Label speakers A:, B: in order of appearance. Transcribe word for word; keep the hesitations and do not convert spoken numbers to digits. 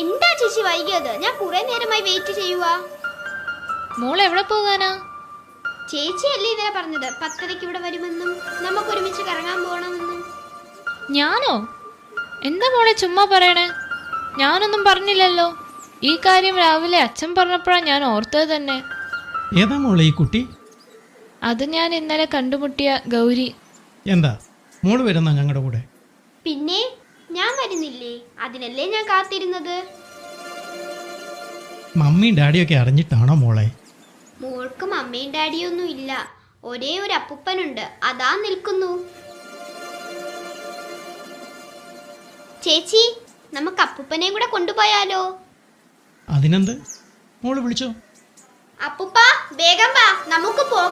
A: എന്താ ചേച്ചി വൈകിയത്? ഞാൻ കുറെ നേരമായി വെയിറ്റ് ചെയ്യുവാ.
B: മോൾ എവിടെ പോകാനാ?
A: ചേച്ചി അല്ലേ ഇന്നലെ പറഞ്ഞത് പത്തരയ്ക്ക് ഇവിടെ വരുമെന്നും നമുക്ക് ഒരുമിച്ച് കറങ്ങാൻ പോകണമെന്നും.
B: ഞാനോ? എന്താ മോളെ ചുമ്മാ പറയണേ? ഞാനൊന്നും പറഞ്ഞില്ലല്ലോ. ഈ കാര്യം രാവിലെ അച്ഛൻ പറഞ്ഞപ്പോഴാണ് ഞാൻ ഓർത്തത് തന്നെ.
C: ഏതാ മോളെ ഈ കുട്ടി?
B: അത് ഞാൻ ഇന്നലെ കണ്ടുമുട്ടിയ ഗൗരി.
C: എന്താ മോള് വരുന്ന ഞങ്ങളുടെ കൂടെ?
A: പിന്നെ ഞാൻ വരുന്നില്ലേ? അതിനല്ലേ ഞാൻ കാത്തിരുന്നത്.
C: മമ്മിയും ഡാഡിയൊക്കെ അറിഞ്ഞിട്ടാണോ മോളെ?
A: മോൾക്ക് മമ്മിയും ഡാഡിയും ഒന്നും ഇല്ല. ഒരേ ഒരു അപ്പൂപ്പനുണ്ട്, അതാ നിൽക്കുന്നു. ചേച്ചി, നമുക്ക് അപ്പൂപ്പനെയും കൂടെ കൊണ്ടുപോയാലോ?
C: അതിനെന്ത്, മോള് വിളിച്ചോ.
A: അപ്പൂപ്പ വേഗം വാ, നമുക്ക് പോ.